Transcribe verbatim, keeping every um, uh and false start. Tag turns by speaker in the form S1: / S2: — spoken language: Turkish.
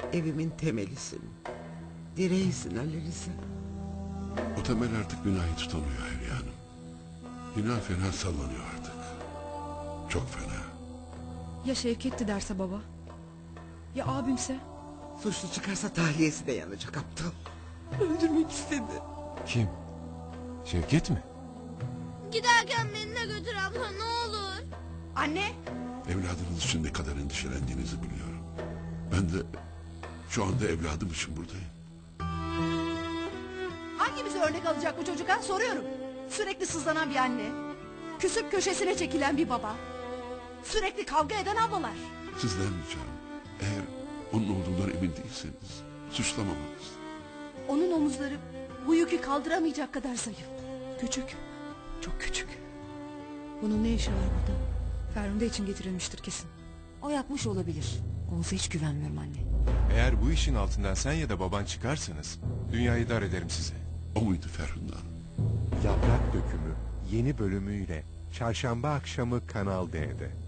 S1: Evimin temelisin. Direğisin Ali Rıza.
S2: O temel artık binayı tutamıyor Hülya Hanım. Bina fena sallanıyor artık. Çok fena.
S3: Ya Şevket'ti derse baba? Ya abimse?
S1: Suçlu çıkarsa tahliyesi de yanacak aptal. Öldürmek istedi.
S4: Kim? Şevket mi?
S5: Giderken beni de götür abla ne olur.
S3: Anne!
S2: Evladınız için ne kadar endişelendiğinizi biliyorum. Ben de şu anda evladım için buradayım.
S6: Hangimize örnek alacak bu çocuk ha? Soruyorum. Sürekli sızlanan bir anne. Küsüp köşesine çekilen bir baba. Sürekli kavga eden ablalar.
S2: Sizden ricam, eğer onun olduğundan emin değilseniz suçlamamanız.
S6: Onun omuzları bu yükü kaldıramayacak kadar zayıf.
S3: Küçük. Çok küçük.
S6: Bunun ne işi var burada?
S3: Ferhunde için getirilmiştir kesin.
S6: O yapmış olabilir. Oğuz'a hiç güvenmiyorum anne.
S4: Eğer bu işin altından sen ya da baban çıkarsanız dünyayı dar ederim size.
S2: O muydu Ferhunde Hanım?
S7: Yaprak Dökümü yeni bölümüyle çarşamba akşamı Kanal D'de.